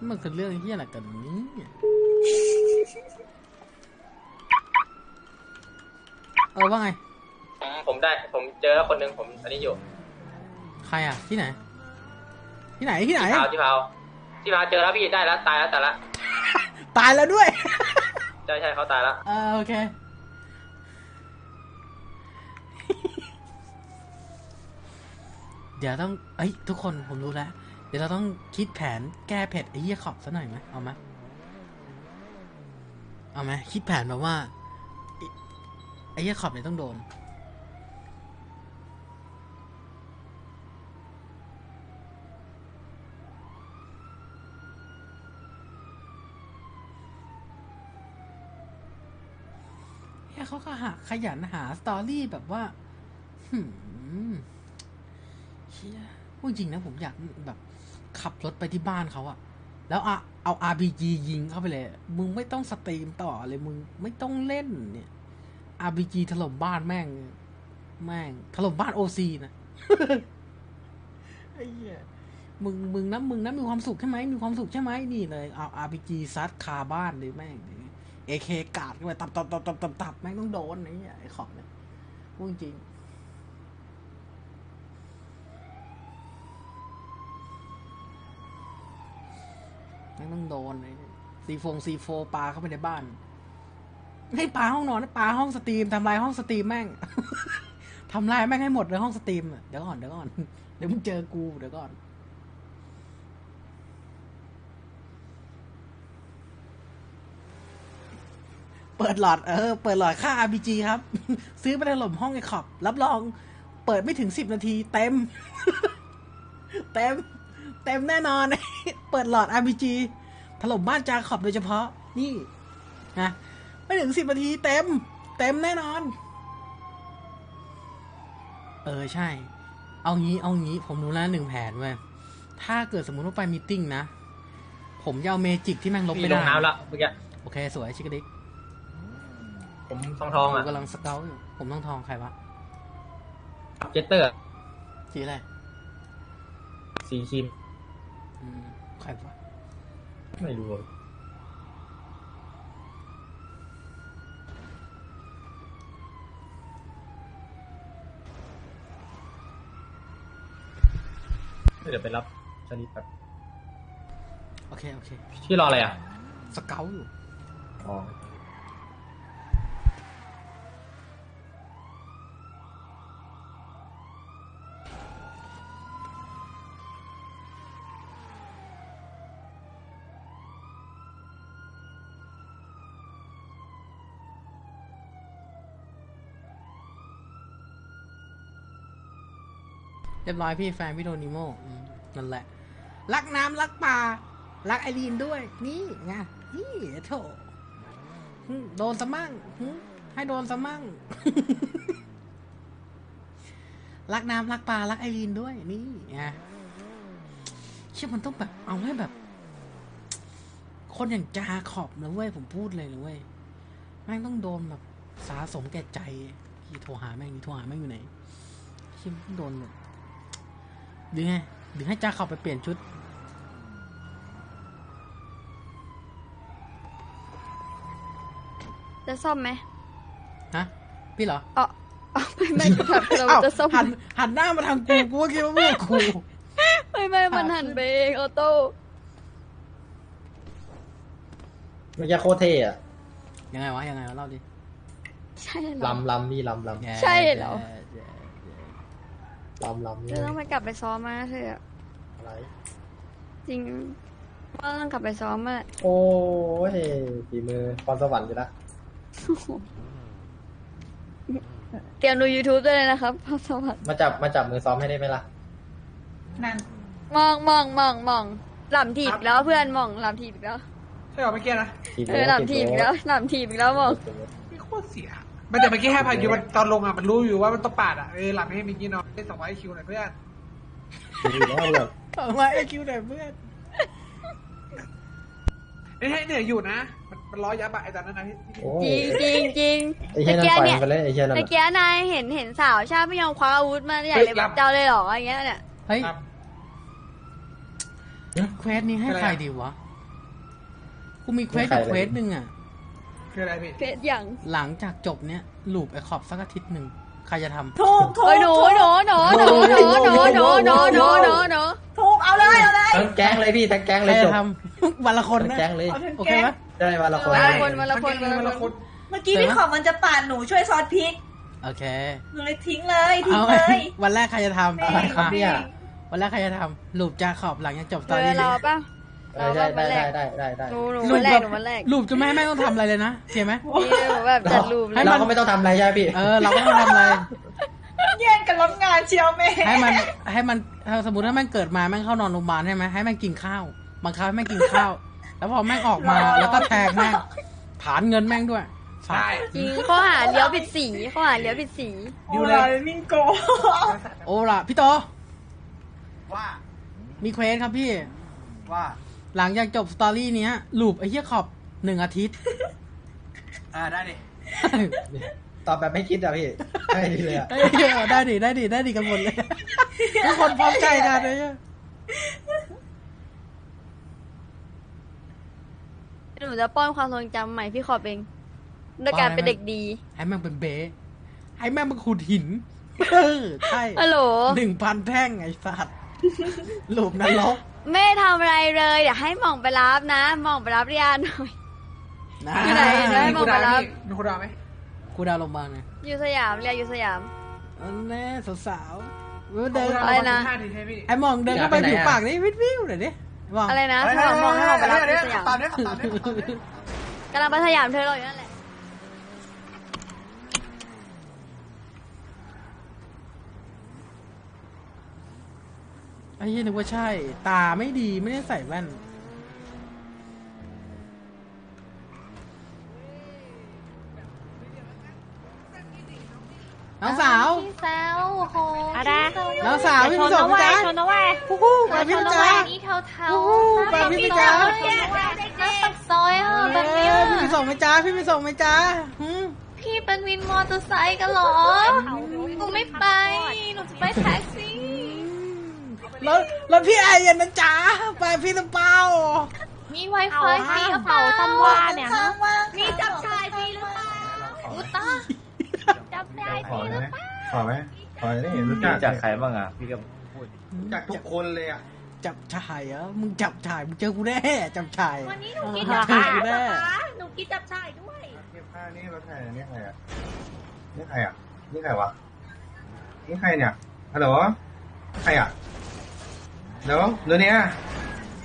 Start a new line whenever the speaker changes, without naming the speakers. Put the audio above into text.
มันคือเรื่องที่อะไรกันนี้ว่าไง
ผมเจอแล้วคนหนึ่งผมอันนี้อยู่
ใครอ่ะที่ไหนที่เผา
เจอแล้วพี่ได้แล้วตายแล้วแต่ละ
ตายแล้วด้วย
ใช่เขาตายแล้ว
โอเคเดี๋ยวต้องทุกคนผมรู้แล้วเดี๋ยวเราต้องคิดแผนแก้เผ็ดไอ้เหี้ยขอบซะหน่อยไหมเอาไหมคิดแผนแบบว่าไอ้เหี้ยขอบเนี่ยต้องโดนเขาก็ขยันหาสตอรี่แบบว่าเชี่ยพูดจริงนะผมอยากแบบขับรถไปที่บ้านเขาอะแล้วเอา RPG ยิงเข้าไปเลยมึงไม่ต้องสตรีมต่อเลยมึงไม่ต้องเล่นเนี่ย RPG ถล่มบ้านแม่งถล่มบ้าน OC นะ ไอ้เหี้ยมึงนะมีความสุขใช่ไหมมีความสุขใช่ไหมนี่เลยเอา RPG ซัดคาบ้านเลยแม่งAK กาดเข้าไปตับแม่งต้องโดนไอ้ขอบเนี่ยพูดจริงแม่งต้องโดนC4 ปาเข้าไปในบ้านให้ปาห้องนอนปาห้องสตรีมทำลายห้องสตรีมแม่ง ทำลายแม่งให้หมดเลยห้องสตรีมเดี๋ยวก่อนเดี๋ยวมึงเจอกูเดี๋ยวก่อนเปิดหลอดค่า RPG ครับ ซื้อไปถล่มห้องไอ้ขอบรับรองเปิดไม่ถึง10 นาทีเต็ม เต็มแน่นอน เปิดหลอด RPG ถล่มบ้านจาขอบโดยเฉพาะนี่นะไม่ถึง10 นาทีเต็มแน่นอนใช่เอางี้ผมรู้แล้ว1 แผนเว้ยถ้าเกิดสมมุติว่าไปมีตติ้งนะผมจะเอาเมจิกที่แม่งลบไม่ได้
ลงน้ำแล้วเมื่อกี้
โอเคสวยชิคกี้พาย
ผมทองอ่ะ
กำลังสเกลอยู่ผมทองใครวะ
เจตเตอร์
สีอะไร
สีครีม
ใครวะ
ไม่รู้เดี๋ยวไปรับชนิดแบบ
โอเค
ที่รออะไรอ่ะ
สเกลอยู่
อ๋อ
เรียบร้อยพี่แฟนพี่โดนิโมนั่นแหละรักน้ำรักป่ารักไอรีนด้วยนี่ไงนี่โถโดนซะมั่งให้โดนซะมั่ง รักน้ำรักป่ารักไอรีนด้วยนี่ไงเชื่อมันต้องแบบเอาให้แบบ คนอย่างจาขอบนะเว้ยผมพูดเลยนะเว้ยแม่งต้องโดนแบบสาสมแก่ใจพี่โทรหาแม่งอยู่ไหนชิมโดนแบบหรือให้จ้าเข้าไปเปลี่ยนชุด
จะซ่อมไหม
ฮะพี่เหรอ
ไม่จะถามเราจะซ่อม
หันหน้ามาทางกูว่าคิดว่าพวกกู
ไม่มันหันไปเองออโต้
ไม่ใช่โคตรเท่อะ
ยังไงวะเล่าดิ
ใช่เหรอ
ลำนี่ลำ
ใช่เหรอ
ลำ
จะต้องไปกลับไปซ้อมมาเถอะ
อะไร
จริงว่าต้องกลับไปซ้อมมา
โอ้ยฝีมือพรสวรรค์อยู่ละ
เตรียมดู YouTube ด้วยนะครับพรสวรรค์
มาจับมือซ้อมให้ได้ไหมล่ะ
นั่นมองหล่ำถีบแล้วเพื่อนมองหล่ำถีบอีกแล้ว
ใช่หรอเมื่อกี้นะ
หล่ำถีบอีกแล้วมอง
นี่โคตรเสียมันแต่เมื่อกี้ให้พายุมันตอนลงอ่ะมันรู้อยู่ว่ามันต้องปาดอ่ะหลับให้มิกกี้นอนได้200 IQ หน่อยเพื่อน
200 IQ หน่อยเพื่อน
ให้เหนื่อยอยู่นะมันร้อยยับอะไอ้ตอนนั้นนะ
จริง
ไอ้เหี้ยนั่นไปเลยไอ้เหี้ยนั่น
เมื่อกี้นายเห็นสาวชาติไม่ยอมคว้าอาวุธมาใหญ่เลยแบบเจ้าเลยหรออย่างเงี้ยเนี่ย
เฮ้ยเควสนี้ให้ใครดีวะกูมีเควสกับเควสหนึ่งอ่ะ
คืออะไรพี่
เพชรอย่าง
หลังจากจบเนี้ยลูปไอขอบสักอาทิตย์หนึ่งใครจะทำ
ถูก
โอ้ยหนู
ถูกเอาเลยเอาเลย
ทั้งแก๊งเลยพี่ทั้งแก๊ง
ใค
เล
ร
ยจ
จะ
บ
ทำ วันละคน
ทั้ง
นะ
แก๊งเลย
เอาทั้ง
โอเค
แก๊ง
ไหม
ได้วันละคน
วันละคน
เมื่อกี้พี่ขอบมันจะปาดหนูช่วยซอสพริก
โอเค
หนูเลยทิ้งเลยทิ้
เอา
งเลย
วันแรกใครจะทำ
อะไรครับเนี่ย
วันแรกใครจะทำลูปจาขอบหลังจากจบต
เธ
อน
อ
นี้
รอป่ะ
ได้
หนูวันแรกหนูวันแรก
ลูปจะไม่ให้แม่ต้องทำอะไรเลยนะเข้าไหม
นี่หนูแบบจัดรูปเลย
เราก็ไม่ต้องทำอะไรใช่ไหมพี่
เราก็ไม่ต้องทำอะไร
แย่งกันรับงานเชียวแม่
ให้มันสมมติถ้าแม่งเกิดมาแม่งเข้านอนโรงพยาบาลใช่ไหมให้แม่งกินข้าวบังคับให้แม่งกินข้าว แล้วพอแม่งออกมาแล้วก็แทงแม่งฐานเงินแม่งด้วย
ใช่
จริงข้อหาเลี้ยวผิดสีข้อหาเลี้ยวผิดสี
ดิวเลย
มิงโก
โอ้ล่ะพี่โต
ว่า
มีเควสครับพี่
ว่า
หลังจากจบสตอรี่เนี้ยลูปไอ้เหี้ยขอบ1 อาทิตย์
ได้ดิ
ตอบแบบไม่คิดอะพี่ได้ดีเลยอะ
ได้ดิกันหมดเลย ทุกคนพร้อมใจกันเลยอะ
หนูจะป้อนความทรงจำใหม่พี่ขอบเองด้วยการเป็นเด็กดี
ให้แม่งเป็นเบ๊ให้แม่งมาขุดหินใช่
ฮัลโหล
1,000 แท่งไอ้สัตว์ลูปนรก
ไม่ทำอะไรเลยเดี๋ยวให้หม่องไปรับนะหม่องไปรับเรียนหน่อย
นะ
อยู่ไหนได้
มีกูดาวพี่มีกูดาวไหม
กูดาวลงมาไง
อยู่สยามเรียนอยู่สยาม
อันแน่สาวๆเดิน
อะไรนะ
5 ทีใช่พี่
ไอ้มองเดินเข้าไปผิวปากนี่วิวหน่อยดิมอง
อะไรนะพี่หม่องมองให้หม่องไปรับที่สยาม
ตามนี้ตามนี้
กำลังไปสยามเธอรออยู่นั่นแหละ
ไอ้เหี้ยนึกว่าใช่ ตาไม่ดีไม่ได้ใส่แว่น น้องสาว
พี่สาวโห
อะไร
น้องสาวพี่ไปส่งพี่จ้า
ชนนะเว้ย
ฮู้แบบพี่
ชน
จ้า
แบบนี้เทา
แบบพี่ไปจ้า
แล้วปักซอยอ่ะแบบเนี้ย
พี่ไปส่งไหมจ้าพี่ไปส่งไหมจ้าหืม
พี่เป็นวินมอเตอร์ไซค์กันเหรอหนูไม่ไปหนูจะไปแท็กซี่
รถพี่ไอ้ยันนะจ้าไปพี่ตะเปา
มีไวไฟฟรีหรือเป
เป่า
ล่า
ตำว่าเนี่ย
ข้างว่าง
มีจับชายฟรีหรือเปล่าอุตาจับได้ฟรีหรือเปล่า
ขอไหมขอได้เห็นรู้จัก
จากใครบ้างอ่ะ พี่ก็พูด
จากทุกคนเลยอ่ะ
จับชายเหรอมึงจับชายมึงเจอกูแน่จับชาย
วันนี้หนูกินจับ
เจอ
ชาย
กู
เหร
แน่
อคะหนูกินจับชายด้วย
นี่ผ้านี่รถไถนี่ใครอ่ะนี่ใครอ่ะนี่ใครวะนี่ใครเนี่ยฮัลโหลใครอ่ะเดี๋ยวเนี่ย